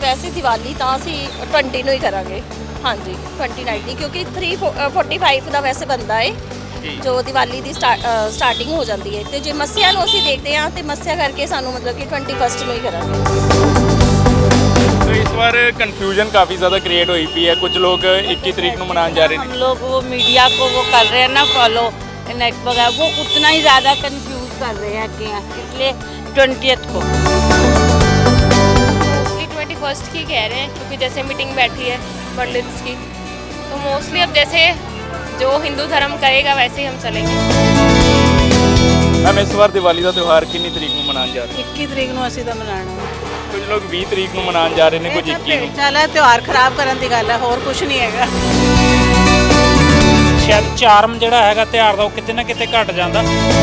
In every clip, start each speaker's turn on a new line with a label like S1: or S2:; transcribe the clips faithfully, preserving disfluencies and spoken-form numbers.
S1: ਵੈਸੇ ਦੀਵਾਲੀ ਤਾਂ ਅਸੀਂ ट्वेंटी ਨੂੰ ਹੀ ਕਰਾਂਗੇ। ਹਾਂਜੀ ट्वेंटी नाइट ਦੀ, ਕਿਉਂਕਿ थ्री फोर्टी फाइव ਦਾ ਵੈਸੇ ਬੰਦਾ ਹੈ ਜੋ ਦੀਵਾਲੀ ਦੀ ਸਟਾਰਟਿੰਗ ਹੋ ਜਾਂਦੀ ਹੈ, ਤੇ ਜੇ ਮੱਸਿਆ ਨੂੰ ਅਸੀਂ ਦੇਖਦੇ ਹਾਂ ਤੇ ਮੱਸਿਆ ਕਰਕੇ ਸਾਨੂੰ ਮਤਲਬ ਕਿ ट्वेंटी फर्स्ट ਨੂੰ ਹੀ ਕਰਾਂਗੇ।
S2: तो इस बार कन्फ्यूजन काफ़ी ज़्यादा क्रिएट हुई पी है, कुछ लोग इक्कीस तरीक को मनाने जा रहे
S3: हम
S2: हैं।
S3: लोग वो मीडिया को वो कर रहे हैं ना फॉलो नेट वगैरह, वो उतना ही ज़्यादा कंफ्यूज कर रहे हैं कि इसलिए ट्वेंटियथ को
S4: मोस्टली ट्वेंटी फर्स्ट की कह रहे हैं, क्योंकि जैसे मीटिंग बैठी है पंडित्स की, तो मोस्टली अब जैसे जो हिंदू धर्म कहेगा वैसे ही हम चलेंगे।
S2: मैम इस बार दिवाली का त्यौहार कितनी तरीक को मनाने जा रहे हैं?
S3: इक्की तरीक ਨੂੰ ਅਸੀਂ ਤਾਂ ਮਨਾਉਣਾ
S2: कुछ लोग बीस तरीक को मनाने जा रहे हैं, कुछ इक्कीस को।
S3: ਚੱਲ ਤਿਉਹਾਰ ਖਰਾਬ ਕਰਨ ਦੀ ਗੱਲ ਹੈ, ਹੋਰ ਕੁਝ ਨਹੀਂ ਹੈਗਾ।
S5: ਸ਼ਾਇਦ ਚਾਰਮ ਜਿਹੜਾ ਹੈਗਾ ਤਿਉਹਾਰ ਦਾ ਉਹ ਕਿਤੇ ਨਾ ਕਿਤੇ ਘਟ ਜਾਂਦਾ।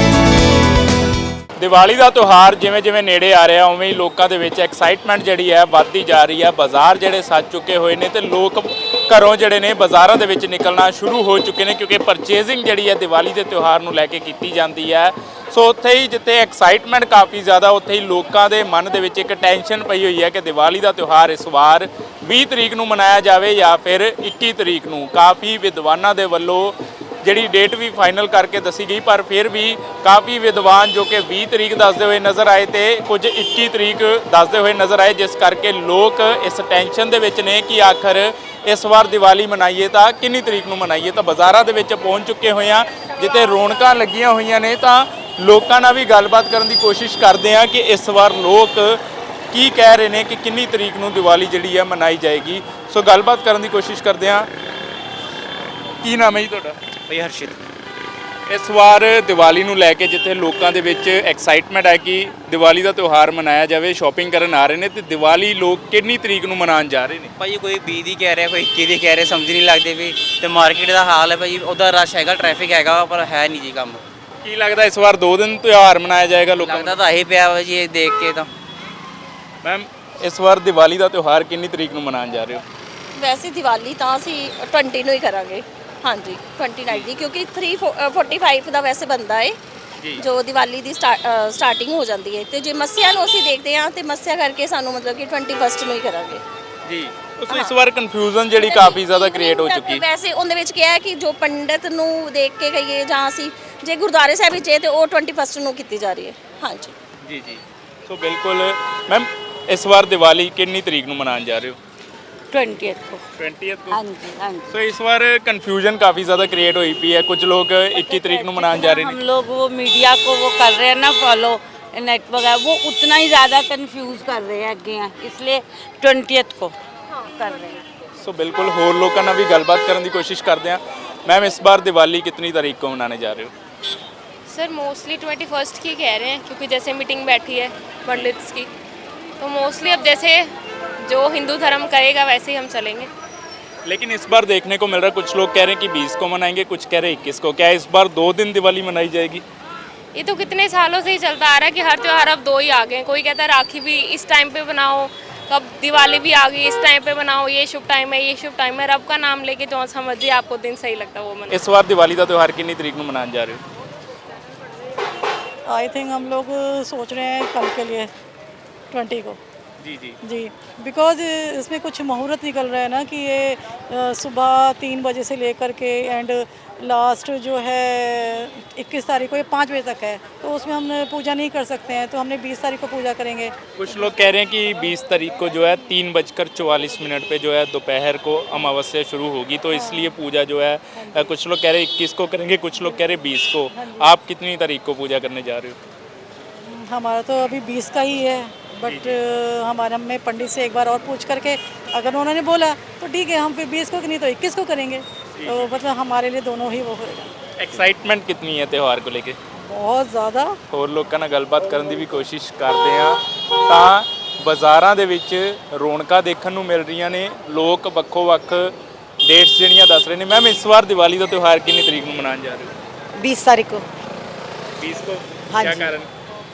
S2: ਦੀਵਾਲੀ ਦਾ ਤਿਉਹਾਰ ਜਿਵੇਂ ਜਿਵੇਂ ਨੇੜੇ ਆ ਰਿਹਾ ਉਵੇਂ ਹੀ ਲੋਕਾਂ ਦੇ ਵਿੱਚ ਐਕਸਾਈਟਮੈਂਟ ਜਿਹੜੀ ਹੈ ਵੱਧਦੀ ਜਾ ਰਹੀ ਹੈ। ਬਾਜ਼ਾਰ ਜਿਹੜੇ ਸੱਜ ਚੁੱਕੇ ਹੋਏ ਨੇ ਤੇ ਲੋਕ ਘਰੋਂ ਜਿਹੜੇ ਨੇ ਬਾਜ਼ਾਰਾਂ ਦੇ ਵਿੱਚ ਨਿਕਲਣਾ ਸ਼ੁਰੂ ਹੋ ਚੁੱਕੇ ਨੇ, ਕਿਉਂਕਿ ਪਰਚੇਜ਼ਿੰਗ ਜਿਹੜੀ ਹੈ ਦੀਵਾਲੀ ਦੇ ਤਿਉਹਾਰ ਨੂੰ ਲੈ ਕੇ ਕੀਤੀ ਜਾਂਦੀ ਹੈ। ਸੋ ਉੱਥੇ ਹੀ ਜਿੱਥੇ ਐਕਸਾਈਟਮੈਂਟ ਕਾਫੀ ਜ਼ਿਆਦਾ, ਉੱਥੇ ਹੀ ਲੋਕਾਂ ਦੇ ਮਨ ਦੇ ਵਿੱਚ ਇੱਕ ਟੈਨਸ਼ਨ ਪਈ ਹੋਈ ਹੈ ਕਿ ਦੀਵਾਲੀ ਦਾ ਤਿਉਹਾਰ ਇਸ ਵਾਰ ਵੀਹ ਤਰੀਕ ਨੂੰ ਮਨਾਇਆ ਜਾਵੇ ਜਾਂ ਫਿਰ ਇੱਕੀ ਤਰੀਕ ਨੂੰ। ਕਾਫੀ ਵਿਦਵਾਨਾਂ ਦੇ ਵੱਲੋਂ ਜਿਹੜੀ ਡੇਟ ਵੀ ਫਾਈਨਲ ਕਰਕੇ ਦੱਸੀ ਗਈ, ਪਰ ਫਿਰ ਵੀ ਕਾਫੀ ਵਿਦਵਾਨ ਜੋ ਕਿ ਵੀਹ ਤਰੀਕ ਦੱਸਦੇ ਹੋਏ ਨਜ਼ਰ ਆਏ ਤੇ ਕੁਝ ਇੱਕੀ ਤਰੀਕ ਦੱਸਦੇ ਹੋਏ ਨਜ਼ਰ ਆਏ, ਜਿਸ ਕਰਕੇ ਲੋਕ ਇਸ ਟੈਨਸ਼ਨ ਦੇ ਵਿੱਚ ਨੇ ਕਿ ਆਖਰ ਇਸ ਵਾਰ ਦੀਵਾਲੀ ਮਨਾਈਏ ਤਾਂ ਕਿੰਨੀ ਤਰੀਕ ਨੂੰ ਮਨਾਈਏ। ਤਾਂ ਬਾਜ਼ਾਰਾਂ ਦੇ ਵਿੱਚ ਪਹੁੰਚ ਚੁੱਕੇ ਹੋਏ ਆ, ਜਿੱਥੇ ਰੌਣਕਾਂ ਲੱਗੀਆਂ ਹੋਈਆਂ ਨੇ, ਤਾਂ ਲੋਕਾਂ ਨਾਲ ਵੀ ਗੱਲਬਾਤ ਕਰਨ ਦੀ ਕੋਸ਼ਿਸ਼ ਕਰਦੇ ਆ ਕਿ ਇਸ ਵਾਰ ਲੋਕ ਕੀ ਕਹਿ ਰਹੇ ਨੇ ਕਿ ਕਿੰਨੀ ਤਰੀਕ ਨੂੰ ਦੀਵਾਲੀ ਜਿਹੜੀ ਹੈ ਮਨਾਈ ਜਾਏਗੀ। ਸੋ ਗੱਲਬਾਤ ਕਰਨ ਦੀ ਕੋਸ਼ਿਸ਼ ਕਰਦੇ ਆ। ਕੀ ਨਾਮ ਹੈ ਜੀ ਤੁਹਾਡਾ?
S5: ਬਈ ਹਰਸ਼ਿਤ।
S2: ਇਸ ਵਾਰ ਦੀਵਾਲੀ ਨੂੰ ਲੈ ਕੇ ਜਿੱਥੇ ਲੋਕਾਂ ਦੇ ਵਿੱਚ ਐਕਸਾਈਟਮੈਂਟ ਹੈ ਕਿ ਦੀਵਾਲੀ ਦਾ ਤਿਉਹਾਰ ਮਨਾਇਆ ਜਾਵੇ, ਸ਼ਾਪਿੰਗ ਕਰਨ ਆ ਰਹੇ ਨੇ, ਤੇ ਦੀਵਾਲੀ ਲੋਕ ਕਿੰਨੀ ਤਰੀਕ ਨੂੰ ਮਨਾਉਣ ਜਾ ਰਹੇ ਨੇ?
S6: ਭਾਈ ਕੋਈ ਵੀਹ ਦੀ ਕਹਿ ਰਿਹਾ, ਕੋਈ ਇੱਕੀ ਦੀ ਕਹਿ ਰਿਹਾ, ਸਮਝ ਨਹੀਂ ਲੱਗਦੇ ਵੀ। ਤੇ ਮਾਰਕੀਟ ਦਾ ਹਾਲ ਹੈ ਭਾਈ, ਉਹਦਾ ਰਸ਼ ਹੈਗਾ, ਟ੍ਰੈਫਿਕ ਹੈਗਾ, ਪਰ ਹੈ ਨਹੀਂ ਜੀ ਕੰਮ।
S2: ਕੀ ਲੱਗਦਾ ਇਸ ਵਾਰ ਦੋ ਦਿਨ ਤਿਉਹਾਰ ਮਨਾਇਆ ਜਾਏਗਾ ਲੋਕਾਂ
S6: ਲੱਗਦਾ ਤਾਂ ਇਹੀ ਪਿਆ ਵਾ ਜੀ, ਇਹ ਦੇਖ ਕੇ ਤਾਂ।
S2: ਮੈਮ ਇਸ ਵਾਰ ਦੀਵਾਲੀ ਦਾ ਤਿਉਹਾਰ ਕਿੰਨੀ ਤਰੀਕ ਨੂੰ ਮਨਾਉਣ ਜਾ ਰਹੇ ਹੋ?
S1: ਵੈਸੇ ਦੀਵਾਲੀ ਤਾਂ ਅਸੀਂ ट्वेंटी ਨੂੰ ਹੀ ਕਰਾਂਗੇ। ਹਾਂਜੀ ट्वेंटी नाइट ਦੀ, ਕਿਉਂਕਿ थ्री फोर्टी फाइव ਦਾ ਵੈਸੇ ਬੰਦਾ ਹੈ ਜੋ ਦੀਵਾਲੀ ਦੀ ਸਟਾਰਟਿੰਗ ਹੋ ਜਾਂਦੀ ਹੈ, ਤੇ ਜੇ ਮੱਸਿਆ ਨੂੰ ਅਸੀਂ ਦੇਖਦੇ ਹਾਂ ਤੇ ਮੱਸਿਆ ਕਰਕੇ ਸਾਨੂੰ ਮਤਲਬ ਕਿ ट्वेंटी फर्स्ट ਨੂੰ ਹੀ ਕਰਾਂਗੇ
S2: ਜੀ। ਉਸ ਇਸ ਵਾਰ ਕਨਫਿਊਜ਼ਨ ਜਿਹੜੀ ਕਾਫੀ ਜ਼ਿਆਦਾ ਕ੍ਰੀਏਟ ਹੋ ਚੁੱਕੀ।
S1: ਵੈਸੇ ਉਹਦੇ ਵਿੱਚ ਕਿਹਾ ਹੈ ਕਿ ਜੋ ਪੰਡਿਤ ਨੂੰ ਦੇਖ ਕੇ ਗਈਏ ਜਾਂ ਅਸੀਂ ਜੇ ਗੁਰਦੁਆਰੇ ਸਾਹਿਬ ਵਿੱਚ ਹੈ ਤੇ ਉਹ ट्वेंटी फर्स्ट ਨੂੰ ਕੀਤੀ ਜਾ ਰਹੀ ਹੈ। ਹਾਂਜੀ
S2: ਜੀ ਜੀ। ਸੋ ਬਿਲਕੁਲ ਮੈਮ ਇਸ ਵਾਰ ਦੀਵਾਲੀ ਕਿੰਨੀ ਤਰੀਕ ਨੂੰ ਮਨਾਉਣ ਜਾ ਰਹੇ ਹੋ?
S3: ट्वेंटियथ को।
S2: ट्वेंटियथ को।
S3: हाँ जी हाँ जी।
S2: सो इस बार कन्फ्यूजन काफ़ी ज़्यादा क्रिएट हुई पी है, कुछ लोग इक्कीस तरीक को मनाने जा रहे
S3: हम
S2: हैं।
S3: लोग वो मीडिया को वो कर रहे हैं ना फॉलो नेट वगैरह, वो उतना ही ज़्यादा कंफ्यूज कर रहे हैं कि इसलिए ट्वेंटियथ को कर रहे हैं।
S2: सो बिल्कुल होर लोगों ਨਾਲ ਵੀ ਗੱਲਬਾਤ ਕਰਨ ਦੀ ਕੋਸ਼ਿਸ਼ ਕਰਦੇ ਹਾਂ। मैम इस बार दिवाली कितनी तारीख को मनाने जा रहे हो?
S4: सर मोस्टली ट्वेंटी फर्स्ट की कह रहे हैं, क्योंकि जैसे मीटिंग बैठी है पंडित्स की, तो मोस्टली अब जैसे जो हिंदू धर्म कहेगा वैसे ही हम चलेंगे।
S2: लेकिन इस बार देखने को मिल रहा है कुछ लोग कह रहे हैं कि बीस को मनाएंगे, कुछ कह रहे हैं इक्कीस को। क्या इस बार दो दिन दिवाली मनाई जाएगी?
S4: ये तो कितने सालों से ही चलता आ रहा है कि हर त्यौहार अब दो ही आ गए। कोई कहता है राखी भी इस टाइम पे बनाओ, कब दिवाली भी आ गई इस टाइम पे बनाओ, ये शुभ टाइम है, ये शुभ टाइम है। रब का नाम लेके जो सा मर्जी आपको दिन सही लगता है वो मनाओ।
S2: इस बार दिवाली का त्यौहार कितनी तरीक को मनाने जा रहे हो?
S7: आई थिंक हम लोग सोच रहे हैं कल के लिए ट्वेंटी को।
S2: जी जी
S7: जी बिकॉज इसमें कुछ मुहूर्त निकल रहा है ना कि ये अ, सुबह तीन बजे से लेकर के एंड लास्ट जो है इक्कीस तारीख को, ये पाँच बजे तक है, तो उसमें हम पूजा नहीं कर सकते हैं, तो हमने बीस तारीख को पूजा करेंगे।
S2: कुछ लोग कह रहे हैं कि बीस तारीख को जो है तीन बजकर चौवालीस मिनट पे जो है दोपहर को अमावस्या शुरू होगी, तो इसलिए पूजा जो है अ, कुछ लोग कह रहे हैं इक्कीस को करेंगे, कुछ लोग कह रहे हैं बीस को। आप कितनी तारीख को पूजा करने जा रहे हो?
S7: हमारा तो अभी बीस का ही है, बट हमारे हमने पंडित से एक बार और पूछ करके अगर उन्होंने बोला तो ठीक है, हम फिर बीस को नहीं तो इक्कीस को करेंगे, तो मतलब हमारे लिए दोनों ही वो होगा।
S2: एक्साइटमेंट कितनी है त्यौहार को लेके?
S7: बहुत ज़्यादा।
S2: ਹੋਰ ਲੋਕਾਂ ਨਾਲ ਗੱਲਬਾਤ ਕਰਨ ਦੀ ਵੀ ਕੋਸ਼ਿਸ਼ ਕਰਦੇ ਆ, ਤਾਂ ਬਾਜ਼ਾਰਾਂ ਦੇ ਵਿੱਚ ਰੌਣਕਾਂ ਦੇਖਣ ਨੂੰ ਮਿਲ ਰਹੀਆਂ ਨੇ। ਲੋਕ ਵੱਖੋ ਵੱਖ ਡੇਟਸ ਜਿਹੜੀਆਂ ਦੱਸ ਰਹੇ ਨੇ। ਮੈਮ ਇਸ ਵਾਰ ਦੀਵਾਲੀ ਦਾ ਤਿਉਹਾਰ ਕਿੰਨੀ ਤਰੀਕ ਨੂੰ ਮਨਾਉਣ ਜਾ ਰਹੇ ਹੋ?
S8: बीस तारीख को।
S2: बीस को।
S8: हाँ
S2: क्या
S8: जी।
S2: कारण?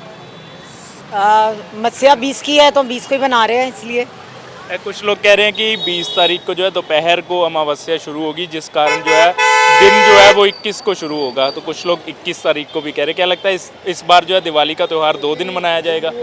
S8: मत्स्या बीस की है तो बीस को ही बना रहे हैं इसलिए।
S2: ए, कुछ लोग कह रहे हैं कि बीस तारीख को जो है दोपहर को अमावस्या शुरू होगी, जिस कारण जो है दिन जो है वो इक्कीस को शुरू होगा, तो कुछ लोग इक्कीस तारीख को भी कह रहे हैं। क्या लगता है इस इस बार जो है दिवाली का त्यौहार दो दिन मनाया जाएगा?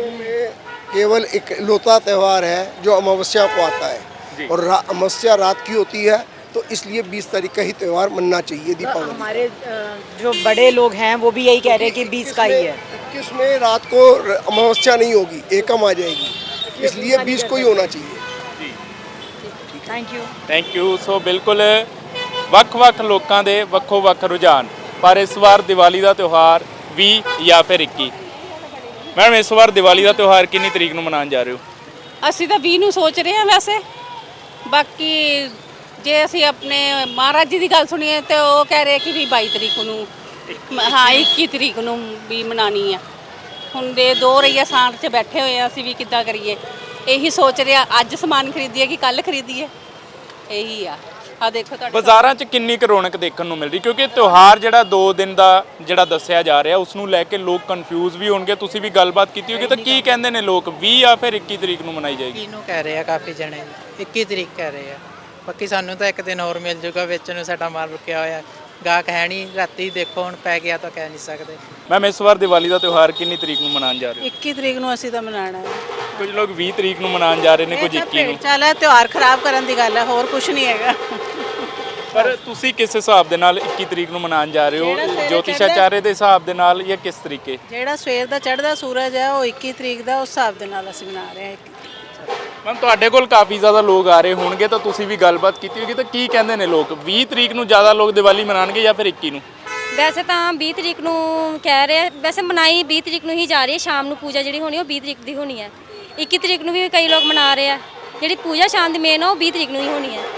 S9: केवल एक इकलौता त्यौहार है जो अमावस्या को आता है और रा- अमावस्या रात की होती है, तो इसलिए बीस तारीख का ही त्यौहार मनना चाहिए दीपावली।
S8: हमारे अ, जो बड़े लोग हैं वो भी यही कह रहे हैं कि बीस का ही है।
S9: इक्कीस में रात को र- अमावस्या नहीं होगी, एकम आ जाएगी, इसलिए बीस को ही होना चाहिए।
S8: Thank you.
S2: Thank you. So ਬਿਲਕੁਲ ਵੱਖ-ਵੱਖ ਲੋਕਾਂ ਦੇ ਵੱਖੋ-ਵੱਖ ਰੁਝਾਨ, ਪਰ ਇਸ ਵਾਰ ਦੀਵਾਲੀ ਦਾ ਤਿਉਹਾਰ ਵੀਹ ਜਾਂ ਫਿਰ ਇੱਕੀ। ਮੈਡਮ ਇਸ ਵਾਰ ਦੀਵਾਲੀ ਦਾ ਤਿਉਹਾਰ ਕਿੰਨੀ ਤਰੀਕ ਨੂੰ ਮਨਾਉਣ ਜਾ ਰਹੇ ਹੋ?
S3: ਅਸੀਂ ਤਾਂ ਵੀਹ ਨੂੰ ਸੋਚ ਰਹੇ ਹਾਂ ਵੈਸੇ। ਬਾਕੀ ਜੇ ਅਸੀਂ ਆਪਣੇ ਮਹਾਰਾਜ ਜੀ ਦੀ ਗੱਲ ਸੁਣੀਏ ਤੇ ਉਹ ਕਹਿ ਰਹੇ ਕਿ ਵੀ ਬਾਈ ਤਰੀਕ ਨੂੰ, ਹਾਂ ਇੱਕੀ ਤਰੀਕ ਨੂੰ ਵੀ ਮਨਾਣੀ ਆ। ਹੁਣ ਦੇ ਦੋ ਰਹੀਆ ਸਾਂਠ 'ਚ ਬੈਠੇ ਹੋਏ ਆ, ਅਸੀਂ ਵੀ ਕਿੱਦਾਂ ਕਰੀਏ, ਇਹੀ ਸੋਚ ਰਹੇ ਆ ਅੱਜ ਸਮਾਨ ਖਰੀਦੀਏ ਕਿ ਕੱਲ ਖਰੀਦੀਏ, ਇਹੀ ਆ। ਆ ਦੇਖੋ ਤੁਹਾਡੇ
S2: ਬਾਜ਼ਾਰਾਂ 'ਚ ਕਿੰਨੀ ਕੁ ਰੌਣਕ ਦੇਖਣ ਨੂੰ ਮਿਲ ਰਹੀ, ਕਿਉਂਕਿ ਤਿਉਹਾਰ ਜਿਹੜਾ ਦੋ ਦਿਨ ਦਾ ਜਿਹੜਾ ਦੱਸਿਆ ਜਾ ਰਿਹਾ ਉਸ ਨੂੰ ਲੈ ਕੇ ਲੋਕ ਕਨਫਿਊਜ਼ ਵੀ ਹੋਣਗੇ। ਤੁਸੀਂ ਵੀ ਗੱਲਬਾਤ ਕੀਤੀ ਹੋਗੀ, ਤਾਂ ਕੀ ਕਹਿੰਦੇ ਨੇ ਲੋਕ, ਵੀਹ ਜਾਂ ਫਿਰ ਇੱਕੀ ਤਰੀਕ ਨੂੰ ਮਨਾਈ ਜਾਏਗੀ?
S10: ਨੂੰ ਕਹਿ ਰਹੇ ਆ ਕਾਫੀ ਜਣੇ, ਇੱਕੀ ਤਰੀਕ ਕਹਿ ਰਹੇ ਆ। ਬਾਕੀ ਸਾਨੂੰ ਤਾਂ ਇੱਕ ਦਿਨ ਹੋਰ ਮਿਲ ਜੂਗਾ, ਵੇਚਣ ਨੂੰ ਸਾਡਾ ਮਾਲ ਰੁਕਿਆ ਹੋਇਆ, ਗਾਹਕ ਹੈ ਨਹੀਂ। ਰਾਤੀ ਦੇਖੋ ਹੁਣ ਪੈ ਗਿਆ ਤਾਂ ਕਹਿ ਨਹੀਂ ਸਕਦੇ।
S2: ਮੈਮ ਇਸ ਵਾਰ ਦੀਵਾਲੀ ਦਾ ਤਿਉਹਾਰ ਕਿੰਨੀ ਤਰੀਕ ਨੂੰ ਮਨਾਉਣ ਜਾ ਰਹੇ ਹੋ?
S7: ਇੱਕੀ ਤਰੀਕ ਨੂੰ ਅਸੀਂ ਤਾਂ ਮਨਾਉਣਾ ਹੈ।
S2: ਕੁਝ ਲੋਕ ਵੀਹ ਤਰੀਕ ਨੂੰ ਮਨਾਉਣ ਜਾ ਰਹੇ ਨੇ, ਕੁਝ ਇੱਕੀ ਨੂੰ।
S7: ਚੱਲ ਹੈ ਤਿਉਹਾਰ ਖਰਾਬ ਕਰਨ ਦੀ ਗੱਲ ਹੈ, ਹੋਰ ਕੁਝ ਨਹੀਂ ਹੈਗਾ।
S2: ਪਰ ਤੁਸੀਂ ਕਿਸ ਹਿਸਾਬ ਦੇ ਨਾਲ ਇੱਕੀ ਤਰੀਕ ਨੂੰ ਮਨਾਉਣ ਜਾ ਰਹੇ ਹੋ? ਜੋਤਿਸ਼ਾਚਾਰੇ ਦੇ ਹਿਸਾਬ ਦੇ ਨਾਲ ਜਾਂ ਕਿਸ ਤਰੀਕੇ?
S7: ਜਿਹੜਾ ਸਵੇਰ ਦਾ ਚੜ੍ਹਦਾ ਸੂਰਜ ਹੈ ਉਹ ਇੱਕੀ ਤਰੀਕ ਦਾ, ਉਸ ਹਿਸਾਬ ਦੇ ਨਾਲ ਅਸੀਂ ਮਨਾ ਰਹੇ ਹਾਂ।
S2: ਮੈਮ ਤੁਹਾਡੇ ਕੋਲ ਕਾਫੀ ਜ਼ਿਆਦਾ ਲੋਕ ਆ ਰਹੇ ਹੋਣਗੇ, ਤਾਂ ਤੁਸੀਂ ਵੀ ਗੱਲਬਾਤ ਕੀਤੀ ਹੋਗੀ, ਤਾਂ ਕੀ ਕਹਿੰਦੇ ਨੇ ਲੋਕ, ਵੀਹ ਤਰੀਕ ਨੂੰ ਜ਼ਿਆਦਾ ਲੋਕ ਦੀਵਾਲੀ ਮਨਾਉਣਗੇ ਜਾਂ ਫਿਰ ਇੱਕੀ ਨੂੰ?
S1: ਵੈਸੇ ਤਾਂ ਵੀਹ ਤਰੀਕ ਨੂੰ ਕਹਿ ਰਹੇ, ਵੈਸੇ ਮਨਾਈ ਵੀਹ ਤਰੀਕ ਨੂੰ ਹੀ ਜਾ ਰਹੀ ਹੈ। ਸ਼ਾਮ ਨੂੰ ਪੂਜਾ ਜਿਹੜੀ ਹੋਣੀ ਉਹ ਵੀਹ ਤਰੀਕ ਦੀ ਹੋਣੀ ਹੈ। ਇੱਕੀ ਤਰੀਕ ਨੂੰ ਵੀ ਕਈ ਲੋਕ ਮਨਾ ਰਹੇ ਆ। ਜਿਹੜੀ ਪੂਜਾ ਸ਼ਾਮ ਦੀ ਮੇਨ ਉਹ ਵੀਹ ਤਰੀਕ ਨੂੰ ਹੀ ਹੋਣੀ ਹੈ।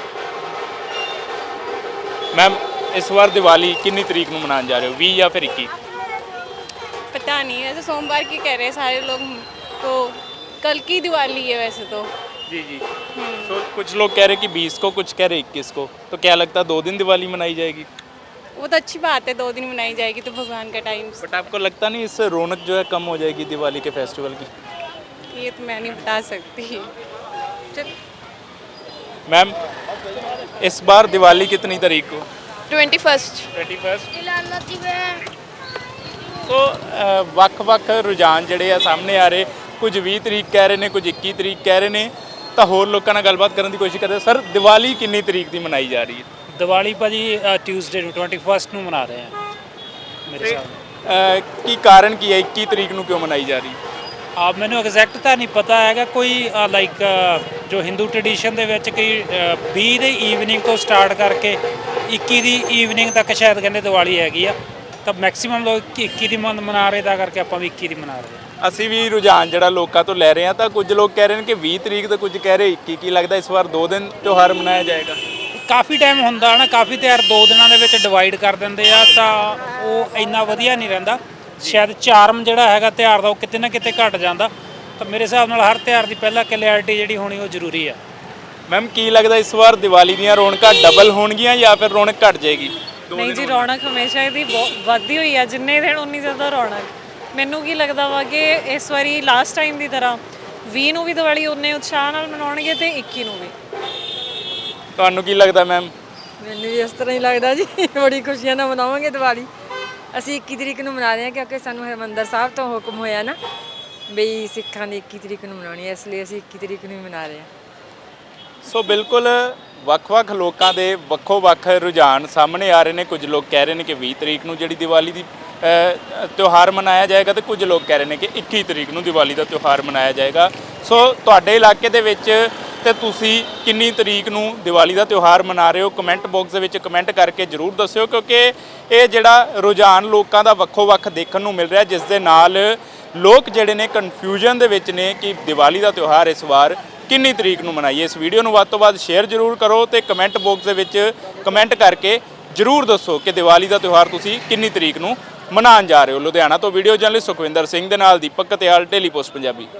S2: ਮੈਮ ਇਸ ਵਾਰ ਦੀਵਾਲੀ ਕਿੰਨੀ ਤਰੀਕ ਨੂੰ ਮਨਾਉਣ ਜਾ ਰਹੇ ਹੋ, ਵੀਹ ਜਾਂ ਫਿਰ ਇੱਕੀ?
S4: पता नहीं, वैसे सोमवार की कह रहे हैं सारे लोग, तो कल की दिवाली है वैसे तो।
S2: जी जी। तो कुछ लोग कह रहे कि बीस को, कुछ कह रहे इक्कीस को, तो क्या लगता है दो दिन दिवाली मनाई जाएगी?
S4: वो तो अच्छी बात है, दो दिन मनाई जाएगी तो भगवान का टाइम।
S2: बट आपको लगता नहीं इससे रौनक जो है कम हो जाएगी दिवाली के फेस्टिवल की?
S4: ये तो मैं नहीं बता सकती। चल
S2: मैम इस बार दिवाली कितनी तारीख को?
S4: Twenty first.
S2: Twenty first. So ਵੱਖ-ਵੱਖ ਰੁਝਾਨ ਜਿਹੜੇ ਆ ਸਾਹਮਣੇ ਆ ਰਹੇ, ਕੁਝ ਵੀਹ ਤਰੀਕ ਕਹਿ ਰਹੇ ਨੇ, ਕੁਝ ਇੱਕੀ ਤਰੀਕ ਕਹਿ ਰਹੇ ਨੇ। ਤਾਂ ਹੋਰ ਲੋਕਾਂ ਨਾਲ ਗੱਲਬਾਤ ਕਰਨ ਦੀ ਕੋਸ਼ਿਸ਼ ਕਰਦੇ। ਸਰ ਦੀਵਾਲੀ ਕਿੰਨੀ ਤਰੀਕ ਦੀ ਮਨਾਈ ਜਾ ਰਹੀ ਹੈ?
S5: ਦੀਵਾਲੀ ਭਾਜੀ ਟਿਊਜ਼ਡੇ ਨੂੰ ਇਕੱਤੀ ਨੂੰ ਮਨਾ ਰਹੇ ਹਾਂ ਮੇਰੇ ਹਿਸਾਬ ਨਾਲ।
S2: ਅਹ, ਕੀ ਕਾਰਨ ਕੀ ਹੈ, ਇੱਕੀ ਤਰੀਕ ਨੂੰ ਕਿਉਂ ਮਨਾਈ ਜਾ ਰਹੀ?
S5: ਆ ਮੈਨੂੰ ਐਗਜ਼ੈਕਟ ਤਾਂ ਨਹੀਂ ਪਤਾ ਹੈਗਾ। ਕੋਈ ਲਾਈਕ ਜੋ ਹਿੰਦੂ ਟ੍ਰੈਡੀਸ਼ਨ ਦੇ ਵਿੱਚ ਕਈ ਵੀਹ ਦੇ ਈਵਨਿੰਗ ਤੋਂ ਸਟਾਰਟ ਕਰਕੇ ਇੱਕੀ ਦੀ ਈਵਨਿੰਗ ਤੱਕ ਸ਼ਾਇਦ ਕਹਿੰਦੇ ਦੀਵਾਲੀ ਹੈਗੀ ਆ, ਤਾਂ ਮੈਕਸਿਮਮ ਲੋਕ ਇੱਕੀ ਦੀ ਮਨ ਮਨਾ ਰਹੇ, ਤਾਂ ਕਰਕੇ ਆਪਾਂ ਵੀ ਇੱਕੀ ਦੀ ਮਨਾ ਰਹੇ ਹਾਂ।
S2: ਅਸੀਂ ਵੀ ਰੁਝਾਨ ਜਿਹੜਾ ਲੋਕਾਂ ਤੋਂ ਲੈ ਰਹੇ ਹਾਂ, ਤਾਂ ਕੁਝ ਲੋਕ ਕਹਿ ਰਹੇ ਨੇ ਕਿ ਵੀਹ ਤਰੀਕ ਤੇ ਕੁਝ ਕਹਿ ਰਹੇ ਇੱਕੀ। ਕੀ ਲੱਗਦਾ ਇਸ ਵਾਰ ਦੋ ਦਿਨ ਤਿਉਹਾਰ ਮਨਾਇਆ ਜਾਏਗਾ?
S5: ਕਾਫੀ ਟਾਈਮ ਹੁੰਦਾ ਨਾ, ਕਾਫੀ ਤਿਉਹਾਰ ਦੋ ਦਿਨਾਂ ਦੇ ਵਿੱਚ ਡਿਵਾਈਡ ਕਰ ਦਿੰਦੇ ਆ, ਤਾਂ ਉਹ ਇੰਨਾ ਵਧੀਆ ਨਹੀਂ ਰਹਿੰਦਾ। ਸ਼ਾਇਦ ਚਾਰਮ ਜਿਹੜਾ ਹੈਗਾ ਤਿਉਹਾਰ ਦਾ ਉਹ ਕਿਤੇ ਨਾ ਕਿਤੇ ਘਟ ਜਾਂਦਾ। ਤਾਂ ਮੇਰੇ ਹਿਸਾਬ ਨਾਲ ਹਰ ਤਿਉਹਾਰ ਦੀ ਪਹਿਲਾਂ ਕਲੈਰਿਟੀ ਜਿਹੜੀ ਹੋਣੀ ਉਹ ਜ਼ਰੂਰੀ ਆ।
S2: ਮੈਮ ਕੀ ਲੱਗਦਾ ਇਸ ਵਾਰ ਦੀਵਾਲੀ ਦੀਆਂ ਰੌਣਕਾਂ ਡਬਲ ਹੋਣਗੀਆਂ ਜਾਂ ਫਿਰ ਰੌਣਕ ਘਟ ਜਾਏਗੀ?
S11: ਨਹੀਂ ਜੀ, ਰੌਣਕ ਹਮੇਸ਼ਾ ਇਹਦੀ ਵੱਧਦੀ ਹੋਈ ਆ, ਜਿੰਨੇ ਦਿਨ ਉਨੀ ਜ਼ਿਆਦਾ ਰੌਣਕ। ਮੈਨੂੰ ਕੀ ਲੱਗਦਾ ਵਾ ਕਿ ਇਸ ਵਾਰੀ ਲਾਸਟ ਟਾਈਮ ਦੀ ਤਰ੍ਹਾਂ ਵੀਹ ਨੂੰ ਵੀ ਦੀਵਾਲੀ ਉਨੇ ਉਤਸ਼ਾਹ ਨਾਲ ਮਨਾਉਣਗੇ ਤੇ ਇੱਕੀ ਨੂੰ ਵੀ।
S2: ਤੁਹਾਨੂੰ ਕੀ ਲੱਗਦਾ ਮੈਮ?
S12: ਮੈਨੂੰ ਵੀ ਇਸ ਤਰ੍ਹਾਂ ਹੀ ਲੱਗਦਾ ਜੀ, ਬੜੀ ਖੁਸ਼ੀਆਂ ਨਾਲ ਮਨਾਵਾਂਗੇ ਦੀਵਾਲੀ। ਅਸੀਂ ਇੱਕੀ ਤਰੀਕ ਨੂੰ ਮਨਾ ਰਹੇ ਹਾਂ ਕਿਉਂਕਿ ਸਾਨੂੰ ਹਰਿਮੰਦਰ ਸਾਹਿਬ ਤੋਂ ਹੁਕਮ ਹੋਇਆ ਨਾ ਬਈ ਸਿੱਖਾਂ ਦੀ ਇੱਕੀ ਤਰੀਕ ਨੂੰ ਮਨਾਉਣੀ ਹੈ, ਇਸ ਲਈ ਅਸੀਂ ਇੱਕੀ ਤਰੀਕ ਨੂੰ ਹੀ ਮਨਾ ਰਹੇ ਹਾਂ।
S2: ਸੋ ਬਿਲਕੁਲ ਵੱਖ-ਵੱਖ ਲੋਕਾਂ ਦੇ ਵੱਖੋ-ਵੱਖ ਰੁਝਾਨ ਸਾਹਮਣੇ ਆ ਰਹੇ ਨੇ। ਕੁਝ ਲੋਕ ਕਹਿ ਰਹੇ ਨੇ ਕਿ ਵੀਹ ਤਰੀਕ ਨੂੰ ਜਿਹੜੀ ਦੀਵਾਲੀ ਦੀ ਤਿਉਹਾਰ ਮਨਾਇਆ ਜਾਏਗਾ, ਤੇ ਕੁਝ ਲੋਕ ਕਹਿ ਰਹੇ ਨੇ ਕਿ ਇੱਕੀ ਤਰੀਕ ਨੂੰ ਦੀਵਾਲੀ ਦਾ ਤਿਉਹਾਰ ਮਨਾਇਆ ਜਾਏਗਾ। ਸੋ ਤੁਹਾਡੇ ਇਲਾਕੇ ਦੇ ਵਿੱਚ ਤੇ ਤੁਸੀਂ ਕਿੰਨੀ ਤਰੀਕ ਨੂੰ ਦੀਵਾਲੀ ਦਾ ਤਿਉਹਾਰ ਮਨਾ ਰਹੇ ਹੋ, ਕਮੈਂਟ ਬਾਕਸ ਦੇ ਵਿੱਚ ਕਮੈਂਟ ਕਰਕੇ ਜ਼ਰੂਰ ਦੱਸਿਓ, ਕਿਉਂਕਿ ਇਹ ਜਿਹੜਾ ਰੁਝਾਨ ਲੋਕਾਂ ਦਾ ਵੱਖੋ-ਵੱਖ ਦੇਖਣ ਨੂੰ ਮਿਲ ਰਿਹਾ, ਜਿਸ ਦੇ ਨਾਲ ਲੋਕ ਜਿਹੜੇ ਨੇ ਕਨਫਿਊਜ਼ਨ ਦੇ ਵਿੱਚ ਨੇ ਕਿ ਦੀਵਾਲੀ ਦਾ ਤਿਉਹਾਰ ਇਸ ਵਾਰ ਕਿੰਨੀ ਤਰੀਕ ਨੂੰ ਮਨਾਈਏ। ਇਸ ਵੀਡੀਓ ਨੂੰ ਵੱਧ ਤੋਂ ਵੱਧ ਸ਼ੇਅਰ ਜ਼ਰੂਰ ਕਰੋ ਤੇ ਕਮੈਂਟ ਬਾਕਸ ਦੇ ਵਿੱਚ ਕਮੈਂਟ ਕਰਕੇ ਜ਼ਰੂਰ ਦੱਸੋ ਕਿ ਦੀਵਾਲੀ ਦਾ ਤਿਉਹਾਰ ਤੁਸੀਂ ਕਿੰਨੀ ਤਰੀਕ ਨੂੰ ਮਨਾਉਣ ਜਾ ਰਹੇ ਹੋ। ਲੁਧਿਆਣਾ ਤੋਂ ਵੀਡੀਓ ਜਰਨਲਿਸਟ ਸੁਖਵਿੰਦਰ ਸਿੰਘ ਦੇ ਨਾਲ ਦੀਪਕ ਕਤਿਆਲ, ਡੇਲੀ ਪੋਸਟ ਪੰਜਾਬੀ।